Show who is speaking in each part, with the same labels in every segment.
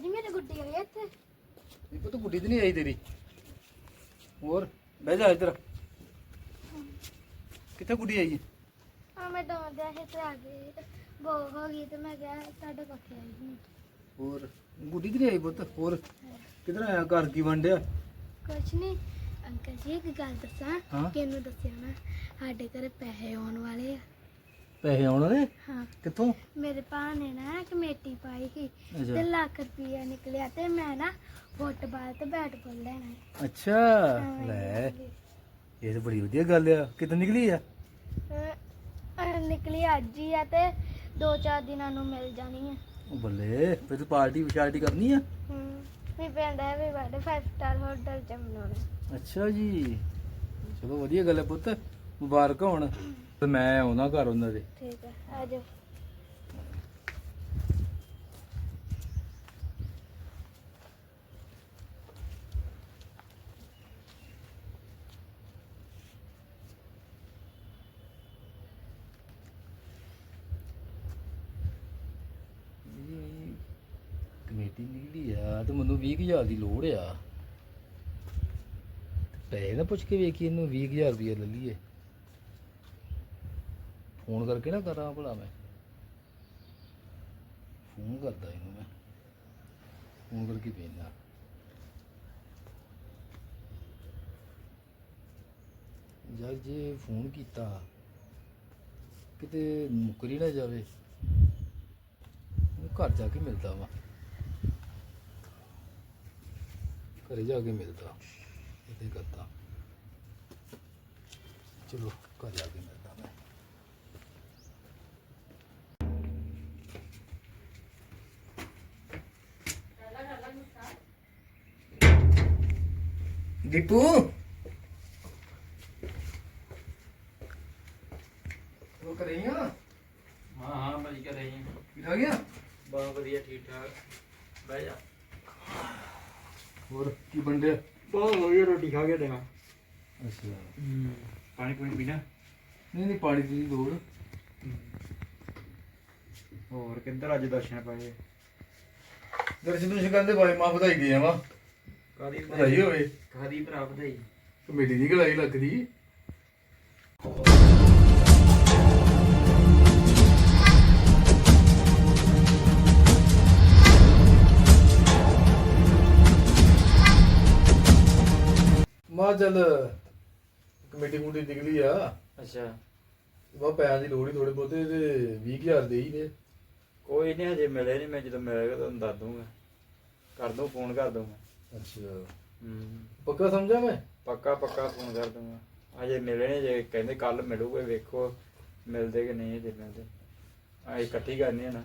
Speaker 1: ਜੀ ਮੇਰੇ ਗੁੱਡੀ ਆਈ ਇੱਥੇ।
Speaker 2: ਇਹ ਪੁੱਤ ਗੁੱਡੀ ਤੇ ਨਹੀਂ ਆਈ ਤੇਰੀ। ਹੋਰ ਬਹਿ ਜਾ ਇੱਧਰ। ਕਿੱਥੇ ਗੁੱਡੀ ਆਈ ਹੈ?
Speaker 1: ਆ ਮੈਂ ਡਾਉਂਦਿਆ ਸੀ ਤੇ ਆ ਗਈ ਤੇ ਬੋ ਹੋ ਗਈ ਤੇ ਮੈਂ ਕਿਹਾ ਤੁਹਾਡੇ ਕੋਠੇ ਆਈ ਸੀ।
Speaker 2: ਹੋਰ ਗੁੱਡੀ ਤੇ ਨਹੀਂ ਆਈ ਪੁੱਤ। ਹੋਰ ਕਿੱਧਰ ਆਇਆ? ਘਰ ਕੀ ਵੰਡਿਆ?
Speaker 1: ਕੁਛ ਨਹੀਂ ਅੰਕਲ ਜੀ, ਇੱਕ ਗੱਲ ਦੱਸਾਂ।
Speaker 2: ਹਾਂ?
Speaker 1: ਕਿਹਨੂੰ ਦੱਸਿਆ ਮੈਂ? ਸਾਡੇ ਘਰੇ ਪੈਸੇ ਆਉਣ ਵਾਲੇ ਆ।
Speaker 2: ਪੈਸੇ ਆਉਣ ਨੇ?
Speaker 1: ਹਾਂ,
Speaker 2: ਕਿੱਥੋਂ?
Speaker 1: ਮੇਰੇ ਭਾ ਨੇ ਨਾ ਕਮੇਟੀ ਪਾਈ ਸੀ ਤੇ
Speaker 2: ਅੱਛਾ
Speaker 1: ਲੱਖ ਰੁਪਈਆ ਨਿਕਲਿਆ ਤੇ ਮੈਂ ਨਾ ਫੁੱਟਬਾਲ ਤੇ ਬੈਟਬਾਲ ਲੈਣਾ ਹੈ।
Speaker 2: ਅੱਛਾ ਲੈ, ਇਹ ਤਾਂ ਬੜੀ ਵਧੀਆ ਗੱਲ ਆ। ਕਿੱਦਾਂ ਨਿਕਲੀ ਆ?
Speaker 1: ਨਿਕਲੀ ਅੱਜ ਹੀ ਆ ਤੇ 2-4 ਦਿਨਾਂ ਨੂੰ ਮਿਲ ਜਾਣੀ ਹੈ।
Speaker 2: ਉਹ ਬੱਲੇ, ਫਿਰ ਤੂੰ ਪਾਰਟੀ ਵਿਚਾਰਟੀ ਕਰਨੀ ਆ?
Speaker 1: ਵੀ ਪਿੰਡ ਹੈ ਵੀ ਬੜੇ 5 ਸਟਾਰ ਹੋਟਲ ਚ ਮਨਾਉਣਾ।
Speaker 2: ਅੱਛਾ ਜੀ, ਚਲੋ ਵਧੀਆ ਗੱਲ ਹੈ ਪੁੱਤ, ਮੁਬਾਰਕ ਹੋਣ। ਤੇ ਮੈਂ ਆਉਣਾ ਘਰ ਉਹਨਾਂ ਦੇ।
Speaker 1: ਠੀਕ ਹੈ, ਆ ਜਾਓ।
Speaker 2: ਕਮੇਟੀ ਨਿਕਲੀ ਆ ਤੇ ਮੈਨੂੰ 20,000 ਦੀ ਲੋੜ ਆ। ਪੈਸੇ ਨਾ ਪੁੱਛ ਕੇ ਵੇਖੀ ਇਹਨੂੰ 20,000 ਰੁਪਇਆ ਲੈ ਲਈਏ। ਫੋਨ ਕਰਕੇ ਨਾ ਕਰਾਂ ਭਲਾ। ਮੈਂ ਫੋਨ ਕਰਦਾ ਇਹਨੂੰ, ਮੈਂ ਫੋਨ ਕਰਕੇ ਭੇਜਦਾ। ਯਾਰ ਜੇ ਫੋਨ ਕੀਤਾ ਕਿਤੇ ਮੁੱਕਰੀ ਨਾ ਜਾਵੇ, ਘਰ ਜਾ ਕੇ ਮਿਲਦਾ ਵਾ। ਘਰੇ ਜਾ ਕੇ ਮਿਲਦਾ, ਇੱਥੇ ਕਰਦਾ। ਚਲੋ ਘਰ ਜਾ ਕੇ ਮਿਲਦਾ ਮੈਂ। ਦੀਪੂ ਉਹ ਕਰ ਰਹੀ ਆ?
Speaker 3: ਹਾਂ ਭਾਜੀ ਕਰ ਰਹੀ ਹਾਂ।
Speaker 2: ਠੀਕ ਆ ਗਿਆ?
Speaker 3: ਬਹੁਤ ਵਧੀਆ, ਠੀਕ ਠਾਕ। ਬਹਿ ਜਾ।
Speaker 2: ਹੋਰ ਕੀ ਬੰਦਿਆ?
Speaker 3: ਬਹੁਤ ਵਧੀਆ, ਰੋਟੀ ਖਾ ਕੇ ਦੇਣਾ।
Speaker 2: ਅੱਛਾ,
Speaker 3: ਪਾਣੀ ਪੂਣੀ ਪੀਣਾ?
Speaker 2: ਨਹੀਂ ਨਹੀਂ, ਪਾਣੀ ਦੀ ਲੋੜ।
Speaker 3: ਹੋਰ ਕਿੱਧਰ ਅੱਜ ਦਰਸ਼ਨ ਪਾਏ?
Speaker 2: ਦਰਸ਼ਨ ਦੁਸ਼ਨ ਕਰਦੇ ਬਾਈ ਮਾਂ ਵਧਾਈ ਦੇ ਆਵਾਂ।
Speaker 3: ਕਾਦੀ
Speaker 2: ਵਧਾਈ ਹੋਵੇ।
Speaker 3: ਕਾਦੀ ਭਰਾ ਵਧਾਈ?
Speaker 2: ਕਮੇਟੀ ਦੀ ਗਲਾਈ ਲੱਗਦੀ। ਮਾਂ ਚੱਲ ਕਮੇਟੀ ਮੁੰਡੀ ਨਿਕਲੀ ਆ।
Speaker 3: ਅੱਛਾ,
Speaker 2: ਵਾ ਪੈਸਿਆਂ ਦੀ ਲੋੜ ਹੀ ਥੋੜੇ ਬਹੁਤੇ ਤੇ 20,000 ਦੇ ਹੀ ਨੇ।
Speaker 3: ਕੋਈ ਨਹੀਂ, ਹਜੇ ਮਿਲੇ ਨਹੀਂ। ਮੈਂ ਜਦੋਂ ਮਿਲੇਗਾ ਤੁਹਾਨੂੰ ਦੱਸ ਦੂੰਗਾ। ਕਰ ਦੂੰ, ਫੋਨ ਕਰ ਦੂੰਗਾ।
Speaker 2: ਅੱਛਾ, ਪੱਕਾ ਸਮਝਾ ਮੈਂ?
Speaker 3: ਪੱਕਾ ਪੱਕਾ ਫੋਨ ਕਰ ਦੂੰਗਾ। ਹਜੇ ਮਿਲੇ ਨਹੀਂ, ਜੇ ਕਹਿੰਦੇ ਕੱਲ ਮਿਲੂਗੇ। ਵੇਖੋ ਮਿਲਦੇ ਕਿ ਨਹੀਂ। ਹਜੇ ਮਿਲਦੇ ਅਸੀਂ ਇਕੱਠੀ ਕਰਨੀ ਹੈ ਨਾ।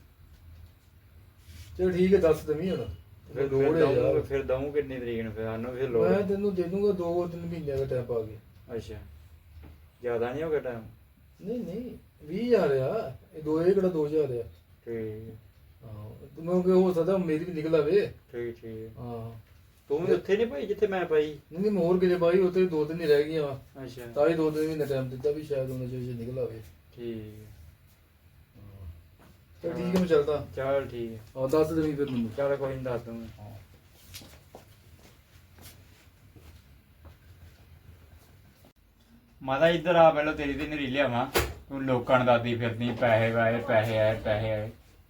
Speaker 2: ਚਲ ਠੀਕ ਹੈ, ਦੱਸ ਦਵੀਂ ਹੁਣ।
Speaker 3: ਫਿਰ
Speaker 2: ਲੋੜ ਹੈ ਯਾਰ।
Speaker 3: ਫਿਰ ਦਊਂ ਕਿੰਨੀ ਤਰੀਕ ਨੂੰ? ਫਿਰ ਸਾਨੂੰ ਫਿਰ ਲੋੜ।
Speaker 2: ਮੈਂ ਤੈਨੂੰ ਦੇ ਦੂੰਗਾ 2-3 ਮਹੀਨਿਆਂ ਦਾ ਟਾਈਮ ਪਾ ਕੇ।
Speaker 3: ਅੱਛਾ, ਜ਼ਿਆਦਾ ਨਹੀਂ ਹੋ ਗਿਆ ਟਾਈਮ?
Speaker 2: ਨਹੀਂ ਨਹੀਂ, 20,000 ਆ ਇਹ। ਕਿਹੜਾ 2,000 ਆ।
Speaker 3: ਠੀਕ
Speaker 2: ਹਾਂ, ਤੂੰ ਕਿ ਹੋ ਸਕਦਾ ਮੇਰੀ ਵੀ ਨਿਕਲ ਆਵੇ।
Speaker 3: ਠੀਕ ਠੀਕ।
Speaker 2: ਹਾਂ,
Speaker 3: ਤੂੰ ਵੀ ਉੱਥੇ ਨਹੀਂ ਪਾਈ ਜਿੱਥੇ ਮੈਂ ਪਾਈ?
Speaker 2: ਨਹੀਂ ਨਹੀਂ, ਹੋਰ ਕਿਤੇ ਬਾਈ ਉੱਥੇ 2-3 ਹੀ ਰਹਿ ਗਈਆਂ।
Speaker 3: ਅੱਛਾ,
Speaker 2: ਤਾਂ ਹੀ 2-3 ਮਹੀਨੇ ਟਾਈਮ ਦਿੱਤਾ ਵੀ ਸ਼ਾਇਦ ਉਹਨਾਂ ਚ ਨਿਕਲ ਆਵੇ।
Speaker 3: ਠੀਕ।
Speaker 2: ਚਲ ਠੀਕ ਹੈ, ਮੈਂ ਚੱਲਦਾ।
Speaker 3: ਚੱਲ ਠੀਕ ਹੈ।
Speaker 2: ਹਾਂ, ਦੱਸ ਦੇਵੀਂ ਫਿਰ ਮੈਨੂੰ।
Speaker 3: ਚੱਲ ਕੋਈ ਨਹੀਂ, ਦੱਸ ਦੂੰਗਾ। ਮਾਤਾ ਇੱਧਰ ਆ, ਪਹਿਲਾਂ ਤੇਰੀ ਤੇ ਨਰੀ ਲਿਆਵਾਂ। ਤੂੰ ਲੋਕਾਂ ਨੂੰ ਦੱਸਦੀ ਫਿਰਦੀ ਪੈਸੇ ਆਏ ਪੈਸੇ ਆਏ ਪੈਸੇ ਆਏ।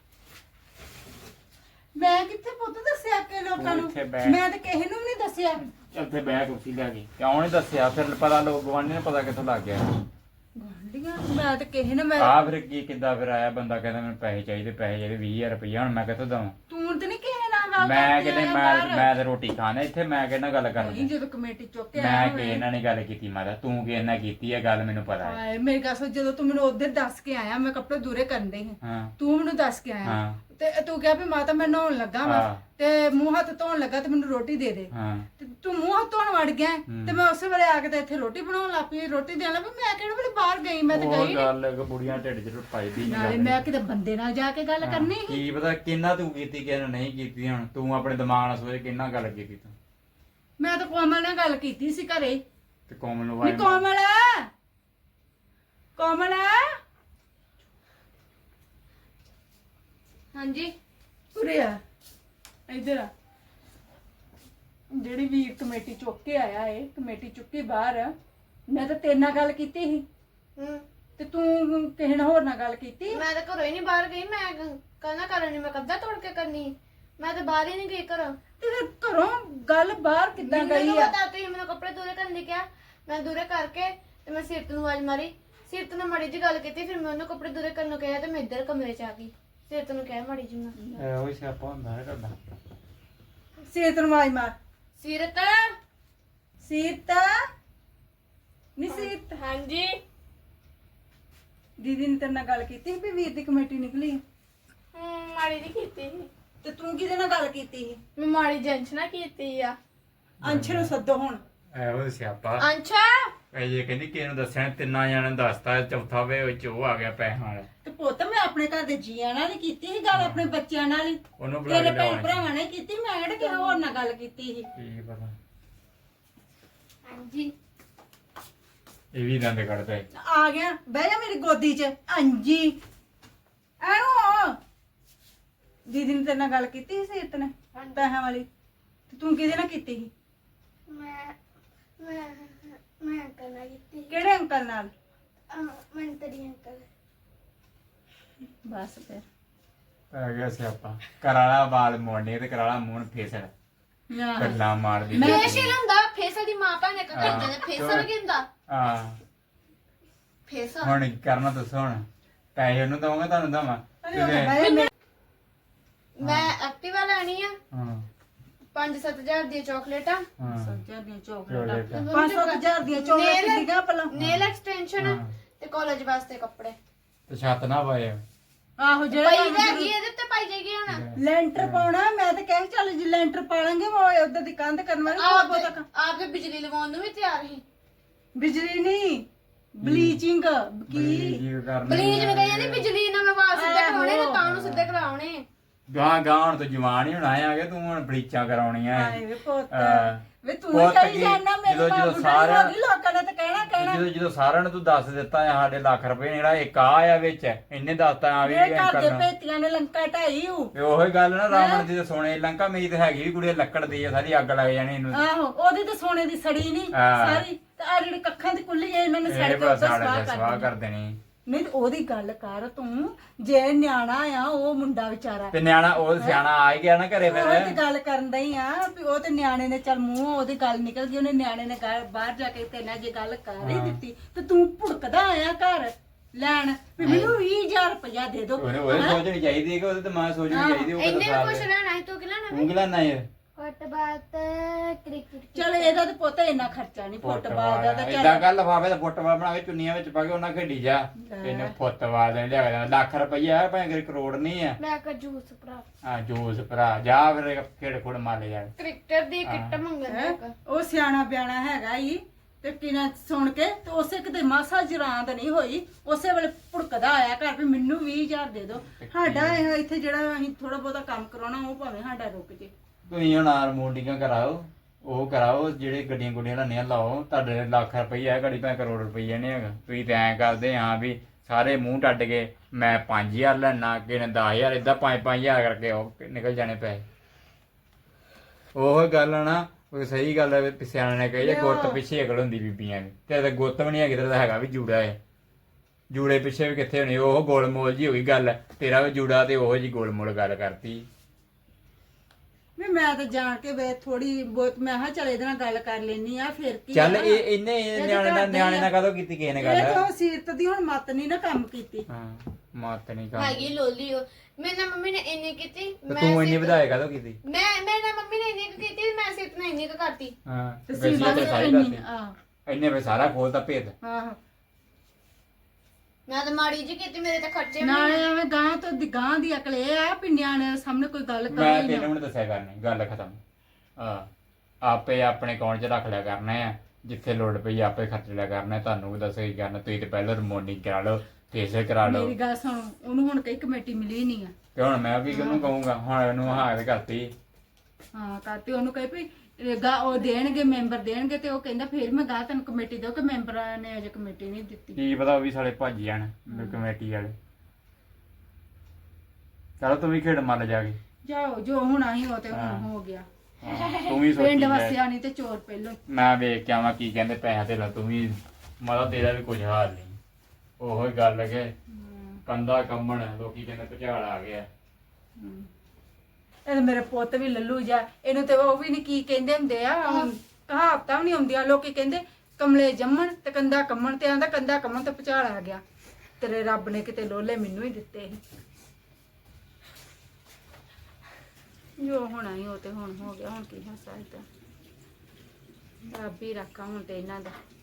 Speaker 4: ਮੈਂ ਕਿੱਥੇ ਪੁੱਤ ਦੱਸਿਆ ਕਿ ਲੋਕਾਂ ਨੂੰ?
Speaker 3: ਇੱਥੇ ਬੈਠ।
Speaker 4: ਮੈਂ ਤਾਂ ਕਿਸੇ ਨੂੰ ਵੀ ਨਹੀਂ ਦੱਸਿਆ।
Speaker 3: ਉੱਥੇ ਬਹਿ ਕੁਰਸੀ ਲੈ ਕੇ ਕਿਉਂ ਨਹੀਂ ਦੱਸਿਆ? ਫਿਰ ਪਤਾ ਲੋਕ ਗਵਾਂਢੀ ਨੂੰ ਪਤਾ ਕਿੱਥੋਂ ਲੱਗ ਗਿਆ।
Speaker 4: ਗਾਂਢੀਆਂ ਮੈਂ ਤਾਂ ਕਿਸੇ ਨੂੰ
Speaker 3: ਆ ਫਿਰ ਕੀ ਕਿੱਦਾਂ ਫਿਰ ਆਇਆ ਬੰਦਾ ਕਹਿੰਦਾ ਮੈਨੂੰ ਪੈਸੇ ਚਾਹੀਦੇ 20,000 ਰੁਪਈਆ। ਹੁਣ ਮੈਂ ਕਿੱਥੋਂ ਦਵਾਂ?
Speaker 4: ਤੂੰ ਤੇ ਨਹੀਂ ਕਿਸੇ ਨਾਲ ਗੱਲ
Speaker 3: ਮੈਂ
Speaker 4: ਕਰਕੇ
Speaker 3: ਕਹਿੰਦੇ
Speaker 4: ਆਇਆ
Speaker 3: ਮੈਂ
Speaker 4: ਬਾਹਰ।
Speaker 3: ਮੈਂ ਤਾਂ ਰੋਟੀ ਖਾਣਾ ਇੱਥੇ। ਮੈਂ ਕਿਹਨਾਂ ਗੱਲ
Speaker 4: ਨਹੀਂ,
Speaker 3: ਕਰਨੀ?
Speaker 4: ਜਦੋਂ ਕਮੇਟੀ ਚੁੱਕ ਕੇ
Speaker 3: ਮੈਂ
Speaker 4: ਆਇਆ
Speaker 3: ਕਿਸੇ ਨਾਲ ਨਹੀਂ ਗੱਲ ਕੀਤੀ ਮਾਤਾ। ਤੂੰ ਕਿਸੇ ਨਾਲ ਕੀਤੀ ਹੈ ਗੱਲ? ਮੈਨੂੰ ਪਤਾ ਹੈ।
Speaker 4: ਹਾਏ ਮੇਰੀ ਗੱਲ ਸੁਣ, ਜਦੋਂ ਤੂੰ ਮੈਨੂੰ ਉਧਰ ਦੱਸ ਕੇ ਆਇਆ, ਮੈਂ ਕੱਪੜੇ ਦੂਰੇ ਕਰਨ ਡਈ ਹਾਂ।
Speaker 3: ਹਾਂ
Speaker 4: ਤੂੰ ਮੈਨੂੰ ਦੱਸ ਕੇ ਆਇਆ
Speaker 3: ਹਾਂ
Speaker 4: ਤੇ ਤੂੰ ਕਿਹਾ ਵੀ ਮਾਤਾ ਮੈਂ ਨਹਾਉਣ ਲੱਗਾ ਵਾ
Speaker 3: ਹਾਂ।
Speaker 4: ਤੇ ਮੂੰਹ ਹੱਥ ਧੋਣ ਲੱਗਾ ਤੇ ਮੈਨੂੰ ਰੋਟੀ ਦੇ ਦੇ।
Speaker 3: ਹਾਂ
Speaker 4: ਤੇ ਤੂੰ ਮੂੰਹ ਹੱਥ ਧੋਣ ਵੜ ਗਿਆ ਤੇ ਮੈਂ ਉਸੇ ਵੇਲੇ ਆ ਕੇ ਤੇ ਇੱਥੇ ਰੋਟੀ ਬਣਾਉਣ ਲੱਗ ਪਈ। ਰੋਟੀ ਦੇਣ ਲੱਗ ਪਈ। ਮੈਂ ਕਿਹੜੇ ਵੇਲੇ ਬਾਹਰ ਗਈ? ਮੈਂ ਤਾਂ
Speaker 3: ਉਹ
Speaker 4: ਗਈ
Speaker 3: ਗੱਲ ਇੱਕ ਬੁੜੀਆਂ ਢਿੱਡ 'ਚ ਪਾਈਦੀ
Speaker 4: ਨਾਲੇ ਮੈਂ ਕਿਤੇ ਬੰਦੇ ਨਾਲ ਜਾ ਕੇ ਗੱਲ ਕਰਨੀ ਸੀ।
Speaker 3: ਕੀ ਪਤਾ ਕਿੰਨਾ ਤੂੰ ਕੀਤੀ ਕਿਹਨਾਂ ਨਹੀਂ ਕੀਤੀ। ਹੁਣ ਤੂੰ ਆਪਣੇ ਦਿਮਾਗ ਨਾਲ ਸੋਚ ਕਿੰਨਾ ਗੱਲ ਕੀਤੀ ਤੂੰ।
Speaker 4: ਮੈਂ ਤਾਂ ਕੋਮਲ ਨਾਲ ਗੱਲ ਕੀਤੀ ਸੀ ਘਰੇ।
Speaker 3: ਤੇ ਕੋਮਲ ਨੂੰ
Speaker 4: ਨੀ
Speaker 3: ਵਾਈ
Speaker 4: ਕੋਮਲ, ਕੋਮਲ
Speaker 1: ਹਾਂਜੀ,
Speaker 4: ਉਰੇ ਆ। ਇੱਧਰ ਆ ਜਿਹੜੀ ਵੀਰ ਕਮੇਟੀ ਚੁੱਕ ਕੇ ਆਇਆ ਏ ਕਮੇਟੀ ਚੁੱਕੀ ਬਾਹਰ ਮੈਂ ਤਾਂ ਤੇਰੇ ਨਾਲ ਗੱਲ ਕੀਤੀ ਸੀ
Speaker 1: ਹੂੰ
Speaker 4: ਤੇ ਤੂੰ ਕਿਸੇ ਨਾਲ ਹੋਰ ਨਾਲ ਗੱਲ ਕੀਤੀ
Speaker 1: ਮੈਂ ਤਾਂ ਘਰੋਂ ਹੀ ਨਹੀਂ ਬਾਹਰ ਗਈ ਮੈਂ ਕਹਿੰਦਾ ਕਰਨੀ ਮੈਂ ਕਬਜ਼ਾ ਤੋੜ ਕੇ ਕਰਨੀ ਮੈਂ ਤਾਂ ਬਾਹਰ ਹੀ ਨਹੀਂ ਗਈ ਘਰੋਂ
Speaker 4: ਤੇ ਫਿਰ ਘਰੋਂ ਗੱਲ ਬਾਹਰ ਕਿੱਦਾਂ ਗਈ
Speaker 1: ਮੈਨੂੰ
Speaker 4: ਆ
Speaker 1: ਪਤਾ ਤੁਸੀਂ ਮੈਨੂੰ ਕੱਪੜੇ ਦੂਰੇ ਕਰਨ ਲਈ ਕਿਹਾ ਮੈਂ ਦੂਰੇ ਕਰਕੇ ਤੇ ਮੈਂ ਸਿਰਤ ਨੂੰ ਆਵਾਜ਼ ਮਾਰੀ ਸਿਰਤ ਨੇ ਮਾੜੀ ਜੀ ਗੱਲ ਕੀਤੀ ਫਿਰ ਮੈਂ ਉਹਨੂੰ ਕੱਪੜੇ ਦੂਰੇ ਕਰਨ ਨੂੰ ਕਿਹਾ ਤੇ ਮੈਂ ਇੱਧਰ ਕਮਰੇ 'ਚ ਆ ਗਈ ਸਿਰਤ ਨੂੰ ਕਿਹਾ ਮਾੜੀ ਜੀ ਮੈਂ
Speaker 3: ਇਹੋ ਹੀ ਸਿਆਪਾ ਹੁੰਦਾ ਹੈ ਤੁਹਾਡਾ
Speaker 4: ਸੀਰਤ ਨੂੰ ਆਵਾਜ਼ ਮਾਰ
Speaker 1: ਸਿਰਤ
Speaker 4: ਸੀਰਤ ਨੀ ਸੀਰਤ
Speaker 1: ਹਾਂਜੀ
Speaker 4: ਦੀਦੀ ਨੇ ਤੇਰੇ ਨਾਲ ਗੱਲ ਕੀਤੀ ਸੀ ਵੀ ਵੀਰ ਦੀ ਕਮੇਟੀ ਨਿਕਲੀ
Speaker 1: ਮਾੜੀ ਜੀ ਕੀਤੀ ਸੀ
Speaker 4: ਤੇ ਤੂੰ ਕਿਹਦੇ ਨਾਲ ਗੱਲ ਕੀਤੀ ਸੀ
Speaker 1: ਮੈਂ ਮਾੜੀ ਜੰਸ਼ਨਾ ਕੀਤੀ ਆ
Speaker 4: ਅੰਸ਼ ਨੂੰ ਸੱਦੋ ਹੁਣ
Speaker 3: ਇਹੋ ਹੀ ਸਿਆਪਾ
Speaker 1: ਅੰਸ਼ਾ
Speaker 3: ਇਹ ਕਹਿੰਦੀ ਕਿ ਇਹਨੂੰ ਦੱਸਿਆ ਨੀ, ਤਿੰਨਾਂ ਜਣਿਆਂ ਨੇ ਦੱਸਤਾ ਚੌਥਾ ਵੇ ਵਿੱਚ ਉਹ ਆ ਗਿਆ ਪੈਸਿਆਂ ਵਾਲਾ
Speaker 4: ਤੇ ਪੁੱਤ ਮੈਂ ਆਪਣੇ ਘਰ ਦੇ ਜੀਆਂ ਨਾਲ ਹੀ ਕੀਤੀ ਸੀ ਗੱਲ ਆਪਣੇ ਬੱਚਿਆਂ ਨਾਲ ਹੀ
Speaker 3: ਉਹਨੂੰ ਬੁਲਾ
Speaker 4: ਤੇਰੇ
Speaker 3: ਕੇ
Speaker 4: ਭੈਣ
Speaker 3: ਲਿਆਉਣਾ
Speaker 4: ਭਰਾਵਾਂ ਨੇ ਕੀਤੀ ਮੈਂ ਕਿਹੜੇ ਕਿਸੇ ਹੋਰ ਨਾਲ ਗੱਲ ਕੀਤੀ ਸੀ
Speaker 3: ਕੀ ਪਤਾ
Speaker 1: ਹਾਂਜੀ
Speaker 3: ਇਹ ਵੀ ਦੰਦ ਕੱਢਦਾ ਹੈ
Speaker 4: ਆ ਗਿਆ ਬਹਿ ਜਾ ਮੇਰੀ ਗੋਦੀ 'ਚ ਹਾਂਜੀ ਐਨੂੰ ਦੀਦੀ ਨੇ ਤੇਰੇ ਨਾਲ ਗੱਲ ਕੀਤੀ ਸੀ ਸੀਰਤ ਨੇ ਪੈਸਿਆਂ ਵਾਲੀ ਤੇ ਤੂੰ ਕਿਹਦੇ ਨਾਲ ਕੀਤੀ ਸੀ
Speaker 1: ਮੈਂ ਅੰਕਲ ਨਾਲ ਕੀਤੀ
Speaker 4: ਕਿਹੜੇ ਅੰਕਲ ਨਾਲ
Speaker 1: ਮੰਤਰੀ ਅੰਕਲ
Speaker 4: ਬਸ ਫਿਰ
Speaker 3: ਪੈ ਗਿਆ ਸਿਆਪਾ ਕਰਾਲਾ ਵਾਲ ਮੋੜਨੇ ਤੇ ਕਰਾਲਾ ਮੂੰਹ ਫੇਸਲ
Speaker 4: ਆਹ।
Speaker 3: ਗੱਲਾਂ ਮਾਰਦੀ
Speaker 1: ਫੇਸ਼ੀਅਲ ਹੁੰਦਾ ਫੇਸ਼ੀਅਲ ਦੀ ਮਾਂ ਭੈਣ ਇੱਕ ਕਰਦੇ ਨੇ ਫੇਸ਼ੀਅਲ ਕੀ ਹੁੰਦਾ
Speaker 3: ਹਾਂ
Speaker 1: ਫੇਸ਼ੀਅਲ
Speaker 3: ਹੁਣ ਕਰਨਾ ਦੱਸੋ ਹੁਣ ਪੈਸੇ ਉਹਨੂੰ ਦਵਾਂਗਾ ਤੁਹਾਨੂੰ ਦਵਾਂ
Speaker 4: ਬਹਿ ਜਾ ਮੇਰੇ-
Speaker 1: ਮੈਂ ਐਕਟਿਵਾ ਲੈਣੀ ਆ
Speaker 3: ਹਾਂ
Speaker 1: 5-7 ਦੀਆਂ ਚਾਕਲੇਟਾਂ
Speaker 3: ਹਾਂ
Speaker 4: ਸੱਜਾ ਦੀਆਂ ਚੋਕਲੇਟਾਂ
Speaker 3: ਚੋਕਲੇਟਾਂ।
Speaker 4: 500,000 ਦੀਆਂ ਚੋਕਲੇਟਾਂ ਕਿੱਡੀਆਂ ਭਲਾ
Speaker 1: ਨੇਲ ਐਕਸਟੈਂਸ਼ਨ
Speaker 3: ਹਾਂ।
Speaker 1: ਤੇ ਕਾਲਜ ਵਾਸਤੇ ਕੱਪੜੇ
Speaker 3: ਤੇ ਛੱਤ ਨਾ ਪਾਏ
Speaker 4: ਆਹੋ ਜਿਹੜਾ
Speaker 1: ਪਈ
Speaker 4: ਕੰਮ
Speaker 1: ਹੈਗੀ ਇਹਦੇ ਤੇ ਪਾਈ ਜਾਏਗੀ ਹੁਣ
Speaker 4: ਲੈਂਟਰ ਪਾਉਣਾ ਮੈਂ ਤਾਂ ਕਹਿ ਚੱਲ ਜੇ ਲੈਂਟਰ ਪਾ ਲਾਂਗੇ ਉਹ ਉਧਰ ਦੀ ਕੰਧ ਕਰਨ ਵਾਲੀ ਥੋੜਾ ਬਹੁਤਾ ਕੰਮ।
Speaker 1: ਆਪ ਦੇ ਬਿਜਲੀ ਲਵਾਉਣ ਨੂੰ ਵੀ ਤਿਆਰ ਸੀ
Speaker 4: ਬਿਜਲੀ ਨਹੀਂ ਬਲੀਚਿੰਗ ਕੀ
Speaker 3: ਜੀ ਕਰਨੀ
Speaker 1: ਬਲੀਜ ਮੈਂ ਕਹਿੰਦੀ ਬਿਜਲੀ ਨਾਲ ਮੈਂ ਵਾਲ ਸਿੱਧੇ ਕਰਾਉਣੇ ਨਾ ਤਾਂ ਨੂੰ ਸਿੱਧੇ ਕਰਾਉਣੇ
Speaker 3: ਗਾਂ ਗਾਂ ਹੁਣ ਤੂੰ ਜਵਾਨ ਹੀ ਹੋਣਾ ਆ ਗਿਆ ਤੂੰ ਹੁਣ ਬਲੀਚਾਂ ਕਰਾਉਣੀਆਂ
Speaker 4: ਹਾਏ ਵੇ ਪੁੱਤ
Speaker 3: ਹਾਂ।
Speaker 4: ਵੇ ਤੂੰ
Speaker 3: ਪੁੱਤ
Speaker 4: ਕਹੀ
Speaker 3: ਕੀ,
Speaker 4: ਜਾਣਾ ਮੇਰੇ
Speaker 3: ਜਦੋਂ-
Speaker 4: ਮਾਂ
Speaker 3: ਜਦੋਂ
Speaker 4: ਬੁੱਢੀ
Speaker 3: ਸਾਰਿਆਂ-
Speaker 4: ਹੋ ਗਈ ਲੋਕਾਂ ਨੇ ਤਾਂ ਕਹਿਣਾ
Speaker 3: ਜਦੋਂ ਸਾਰਿਆਂ ਨੂੰ ਤੂੰ ਦੱਸ ਦਿੱਤਾ ਆ ਸਾਡੇ ਲੱਖ ਰੁਪਏ ਜਿਹੜਾ ਇੱਕ ਆ ਆ ਵਿੱਚ ਇੰਨੇ ਦੱਸਤਾ ਆ ਵੀ
Speaker 4: ਮੇਰੇ ਘਰ
Speaker 3: ਅੰਕਲ
Speaker 4: ਦੇ
Speaker 3: ਨੂੰ
Speaker 4: ਭੇਤੀਆਂ ਨੇ ਲੰਕਾ ਢਾਈ ਹੂੰ
Speaker 3: ਤੇ ਉਹੀ ਗੱਲ ਨਾ ਰਾਵਣ ਦੀ ਤੇ ਸੋਨੇ ਦੀ ਲੰਕਾ ਮੇਰੀ ਤੇ ਹੈਗੀ ਵੀ ਕੁੜੀ ਲੱਕੜ ਦੀ ਆ ਸਾਰੀ ਅੱਗ ਲੱਗ ਜਾਣੀ ਇਹਨੂੰ
Speaker 4: ਆਹੋ ਉਹਦੀ ਤਾਂ ਸੋਨੇ ਦੀ ਸੜੀ ਨਹੀਂ
Speaker 3: ਹਾਂ।
Speaker 4: ਸਾਰੀ ਤੇ ਆ ਜਿਹੜੀ ਕੱਖਾਂ ਦੀ ਕੁੱਲੀ ਹੈ ਇਹਨਾਂ ਨੇ ਸੜ
Speaker 3: ਇਹ
Speaker 4: ਕੇ
Speaker 3: ਬਸ
Speaker 4: ਉੱਤੇ
Speaker 3: ਸਾਡਾ
Speaker 4: ਸਵਾਹ
Speaker 3: ਸਵਾਹ
Speaker 4: ਕਰ
Speaker 3: ਕਰ ਦੇਣੀ
Speaker 4: ਨਹੀਂ ਤੇ ਉਹਦੀ ਗੱਲ ਕਰ ਤੂੰ ਜੇ ਨਿਆਣਾ ਆ ਉਹ ਮੁੰਡਾ ਵਿਚਾਰਾ
Speaker 3: ਤੇ ਨਿਆਣਾ ਉਹ ਸਿਆਣਾ ਆ ਹੀ ਗਿਆ ਨਾ ਘਰੇ
Speaker 4: ਉਹ
Speaker 3: ਫਿਰ
Speaker 4: ਤੇ ਗੱਲ ਕਰਨ ਡਈ ਆ ਵੀ ਉਹ ਤੇ ਨਿਆਣੇ ਨੇ ਚੱਲ ਮੂੰਹੋਂ ਉਹਦੀ ਗੱਲ ਨਿਕਲ ਗਈ ਉਹਨੇ ਨਿਆਣੇ ਨੇ ਬਾਹਰ ਜਾ ਕੇ ਤੇ ਨਾ ਜੇ ਗੱਲ ਕਰ ਹੀ ਦਿੱਤੀ ਤੇ ਤੂੰ ਭੁੜਕਦਾ ਆਇਆ ਘਰ ਲੈਣ ਵੀ ਮੈਨੂੰ 20000 ਰੁਪਇਆ ਦੇ ਦੋ
Speaker 3: ਉਹਨੇ ਸੋਚਣੀ ਚਾਹੀਦੀ ਹੈ ਕਿ ਉਹਦੇ ਤੇ ਮਾਂ ਸੋਚਣੀ ਚਾਹੀਦੀ ਉਹ
Speaker 1: ਇੰਨੇ
Speaker 3: ਕਿਹਦਾ
Speaker 1: ਨੂੰ ਕੁਛ ਲੈਣਾ ਸੀ ਤੂੰ ਕਿ ਲੈਣਾ
Speaker 3: ਤੂੰ ਕਿਹੜਾ ਨਾ ਯਾਰ
Speaker 1: ਫੁੱਟਬਾਤ ਕ੍ਰਿਕਟ
Speaker 4: ਚਲ ਇਹਦਾ ਤੇ ਪੁੱਤ ਇੰਨਾ ਖਰਚਾ ਨਹੀਂ ਫੁੱਟਬਾਲ ਦਾ ਤਾਂ
Speaker 3: ਇਦਾਂ
Speaker 4: ਚੱਲ
Speaker 3: ਕਰ ਲਫਾਫੇ ਦਾ ਫੁੱਟਬਾਲ ਬਣਾ ਕੇ ਚੁੰਨੀਆਂ ਵਿੱਚ ਪਾ ਕੇ ਉਹਨਾਂ ਖੇਡੀ ਜਾ ਇਹਨੇ ਫੁੱਟਬਾਲ ਦੇ ਲਿਆ ਕੇ ਲੱਖ ਰੁਪਈਆ ਹੈ ਭਾਵੇਂ ਕਰੋੜ ਨਹੀਂ ਆ
Speaker 1: ਮੈਂ ਕਾ ਜੂਸ ਭਰਾ
Speaker 3: ਆ ਜੋਸ ਭਰਾ ਜਾ ਫਿਰ ਖੇਡ ਖੁੜ ਮਾਰ ਜਾ
Speaker 1: ਕ੍ਰਿਕਟਰ ਦੀ ਕਿੱਟ ਮੰਗਣ
Speaker 4: ਹੈਂ?
Speaker 1: ਦਾ
Speaker 4: ਉਹ ਸਿਆਣਾ ਬਿਆਣਾ ਹੈਗਾ ਹੀ ਤੇ ਕਿਨਾਂ ਸੁਣ ਕੇ ਤੇ ਉਸੇ ਕਿਤੇ ਮਾਸਾ ਜਰਾਂਦ ਨਹੀਂ ਹੋਈ ਉਸੇ ਵੇਲੇ ਭੁੜਕਦਾ ਆਇਆ ਘਰ ਵੀ ਮੈਨੂੰ 20000 ਦੇ ਦਿਓ ਸਾਡਾ ਇਹ ਇੱਥੇ ਜਿਹੜਾ ਅਸੀਂ ਥੋੜਾ ਬਹੁਤਾ ਕੰਮ ਕਰਾਉਣਾ ਉਹ ਭਾਵੇਂ ਸਾਡਾ ਰੁਕ ਜੇ
Speaker 3: ਤੁਸੀਂ ਹੁਣ ਹਾਰਮੋਨੀਆਂ ਕਰਾਓ ਉਹ ਕਰਾਓ ਜਿਹੜੇ ਗੱਡੀਆਂ ਗੁੱਡੀਆਂ ਲਾਉਂਦੇ ਆ ਲਾਓ ਤੁਹਾਡੇ ਲੱਖ ਰੁਪਈਆ ਘੜੀ ਭਾਵੇਂ ਕਰੋੜ ਰੁਪਈਆ ਨਹੀਂ ਹੈਗਾ ਤੁਸੀਂ ਤਾਂ ਐਂ ਕਰਦੇ ਹਾਂ ਵੀ ਸਾਰੇ ਮੂੰਹ ਟੱਡ ਕੇ ਮੈਂ 5000 ਲੈਣਾ ਕਿਸੇ ਨੇ 10000 ਇਦਾਂ 5-5000 ਕਰਕੇ ਉਹ ਨਿਕਲ ਜਾਣੇ ਪਏ ਉਹ ਗੱਲ ਆ ਨਾ ਉਹ ਸਹੀ ਗੱਲ ਹੈ ਸਿਆਣੇ ਨੇ ਕਹੀ ਗੁੱਤ ਪਿੱਛੇ ਅਕਲ ਹੁੰਦੀ ਬੀਬੀਆਂ ਦੀ ਤੇ ਗੁੱਤ ਵੀ ਨਹੀਂ ਹੈਗੀ ਤੇ ਹੈਗਾ ਵੀ ਜੂੜਾ ਹੈ ਜੂੜੇ ਪਿੱਛੇ ਵੀ ਕਿੱਥੇ ਹੋਣੀ ਉਹ ਗੋਲਮੋਲ ਜੀ ਹੋ ਗਈ ਗੱਲ ਤੇਰਾ ਵੀ ਜੂੜਾ ਤੇ ਉਹੋ ਜੀ ਗੋਲਮੋਲ ਗੱਲ ਕਰਤੀ
Speaker 4: ਵੀ ਮੈਂ ਤਾਂ ਜਾਣ ਕੇ ਵੇ ਥੋੜੀ ਬਹੁਤ ਮੈਂ ਕਿਹਾ ਚੱਲ ਇਹਦੇ ਨਾਲ ਗੱਲ ਕਰ ਲੈਣੀ ਆ ਫਿਰ ਕੀ
Speaker 3: ਚੱਲ
Speaker 4: ਆ।
Speaker 3: ਇਹ ਇੰਨੇ
Speaker 4: ਇਹਦੇ
Speaker 3: ਨਿਆਣੇ
Speaker 4: ਘਰ
Speaker 3: ਨਾਲ
Speaker 4: ਦੇ
Speaker 3: ਨਿਆਣੇ ਨਾਲ
Speaker 4: ਆ।
Speaker 3: ਕਦੋਂ ਕੀਤੀ ਕਿਸੇ ਨੇ
Speaker 4: ਇਹ
Speaker 3: ਗੱਲ
Speaker 4: ਤਾਂ ਸੀਰਤ ਦੀ ਹੁਣ ਮੱਤ ਨਹੀਂ ਨਾ ਕੰਮ ਕੀਤੀ
Speaker 3: ਹਾਂ ਮਾਤ ਨਹੀਂ ਕੰਮ
Speaker 1: ਹੈਗੀ ਲੋਲੀ ਉਹ ਮੇਰੇ ਨਾਲ ਮੰਮੀ ਨੇ ਇੰਨੀ ਕੀਤੀ
Speaker 3: ਤੇ ਤੂੰ ਇੰਨੀ ਵਧਾਏ ਕਦੋਂ ਕੀਤੀ
Speaker 1: ਮੈਂ ਮੇਰੇ ਨਾਲ ਮੰਮੀ ਨੇ ਇੰਨੀ ਕੁ ਕੀਤੀ ਮੈਂ ਸਿਰਫ ਨੇ ਇੰਨੀ ਕੁ ਕਰਤੀ
Speaker 3: ਹਾਂ
Speaker 4: ਤੇ
Speaker 3: ਵੈਸੇ
Speaker 4: ਸੀਰਤ
Speaker 3: ਤਾਂ ਸਾਰੀ
Speaker 4: ਇੰਨੀ
Speaker 3: ਦੱਸੀ
Speaker 4: ਆ
Speaker 3: ਇੰਨੇ ਵੇ ਸਾਰਾ ਖੋਲਦਾ ਭੇਦ
Speaker 4: ਆਹੋ
Speaker 1: ਮੈਂ ਤਾਂ ਮਾੜੀ ਜੀ ਕੀਤੀ ਮੇਰੇ ਤੇ ਖਰਚੇ ਵੀ
Speaker 4: ਨਾਲੇ ਐਵੇਂ ਗਾਂ ਤੋਂ ਦੀ ਗਾਂ ਦੀ ਅਕਲ ਇਹ ਆ ਵੀ ਨਿਆਣੇ ਦੇ ਸਾਹਮਣੇ ਕੋਈ ਗੱਲ
Speaker 3: ਮੈਂ
Speaker 4: ਕਰੇ
Speaker 3: ਤੈਨੂੰ
Speaker 4: ਨਾ
Speaker 3: ਹੁਣ ਦੱਸਿਆ ਕਰਨੀ ਗੱਲ ਖਤਮ ਹਾਂ ਆਪੇ ਆਪਣੇ ਅਕਾਊਂਟ 'ਚ ਰੱਖ ਲਿਆ ਕਰਨਾ ਆ ਜਿੱਥੇ ਲੋੜ ਪਈ ਆਪੇ ਖਰਚ ਲਿਆ ਕਰਨਾ ਤੁਹਾਨੂੰ ਵੀ ਦੱਸੋ ਕੀ ਕਰਨਾ ਤੁਸੀਂ ਤੇ ਪਹਿਲਾਂ ਰਿਮੋਨਿੰਗ ਕਰਾ ਲਓ ਫੇਸ਼ੀਅਲ ਕਰਾ ਲਓ
Speaker 4: ਮੇਰੀ ਗੱਲ ਸੁਣ ਉਹਨੂੰ ਹੁਣ ਕਈ ਕਮੇਟੀ ਮਿਲੀ ਨਹੀਂ ਆ
Speaker 3: ਤੇ ਹੁਣ ਮੈਂ ਵੀ ਕਿਹਨੂੰ ਕਹੂੰਗਾ ਹੁਣ ਇਹਨੂੰ ਹਾਂ ਤੇ ਕਰਤੀ
Speaker 4: ਹਾਂ ਕਰਤੇ ਉਹਨੂੰ ਕਹੇ ਵੀ ਗਾ ਉਹ ਦੇਣਗੇ ਮੈਂਬਰ ਦੇਣਗੇ ਤੇ ਉਹ ਕਹਿੰਦਾ ਫੇਰ ਮੈਂ ਗਾ ਤੈਨੂੰ ਕਮੇਟੀ ਦਿਓ ਕਿ ਮੈਂਬਰਾਂ ਨੇ ਅਜੇ ਕਮੇਟੀ ਨਹੀਂ ਦਿੱਤੀ
Speaker 3: ਕੀ ਪਤਾ ਉਹ ਵੀ ਸਾਲੇ ਭੱਜ ਜਾਣ ਕਮੇਟੀ ਵਾਲੇ ਚਲੋ ਤੂੰ ਵੀ ਖੇਡ ਮੰਨ ਜਾ ਕੇ
Speaker 4: ਜਾਓ ਜੋ ਹੋਣਾ ਸੀ ਉਹ ਤੇ
Speaker 3: ਹਾਂ।
Speaker 4: ਹੁਣ ਹੋ ਗਿਆ।
Speaker 3: ਤੂੰ ਵੀ ਸੋਚੀ
Speaker 4: ਪਿੰਡ
Speaker 3: ਜਾਏ।
Speaker 4: ਵਸਿਆ ਨਹੀਂ ਤੇ ਚੋਰ ਪਹਿਲੋਂ ਹੀ।
Speaker 3: ਮੈਂ ਵੇਖ ਕੇ ਆਵਾਂ ਕੀ ਕਹਿੰਦੇ ਪੈਸਾ ਤੇ ਲਾ ਤੂੰ ਵੀ ਮਾਤਾ ਤੇਰਾ ਵੀ ਕੁਝ ਹਾਲ ਨਹੀਂ ਉਹੋ ਹੀ ਗੱਲ ਹੈ ਕਿ ਕੰਦਾ ਕੰਮਣ ਲੋਕੀ ਕਹਿੰਦੇ ਭੁਚਾਲ ਆ ਗਿਆ
Speaker 4: ਇਹ ਮੇਰੇ ਪੁੱਤ ਵੀ ਲੱਲੂ ਜਾ, ਇਹਨੂੰ ਤੇ ਉਹ ਵੀ ਨਹੀਂ ਕੀ ਕਹਿੰਦੇ ਹੁੰਦੇ ਆ, ਕਹਾਵਤਾਂ ਵੀ ਨਹੀਂ ਆਉਂਦੀਆਂ। ਲੋਕੀ ਕਹਿੰਦੇ ਕਮਲੇ ਜੰਮਣ ਤੇ ਕੰਦਾ ਕੰਮਣ, ਤੇ ਆਂਦਾ ਕੰਦਾ ਕੰਮਣ ਤੇ ਭੁਚਾਲ ਆ ਗਿਆ। ਤੇਰੇ ਰੱਬ ਨੇ ਕਿਤੇ ਲੋਲੇ ਮੈਨੂੰ ਹੀ ਦਿੱਤੇ ਸੀ। ਜੋ ਹੋਣਾ ਸੀ ਉਹ ਤੇ ਹੁਣ ਹੋ ਗਿਆ, ਹੁਣ ਕੀ ਹੋ ਸਕਦਾ। ਰੱਬ ਹੀ ਰੱਖਾ ਹੁਣ ਤੇ ਇਹਨਾਂ ਦਾ।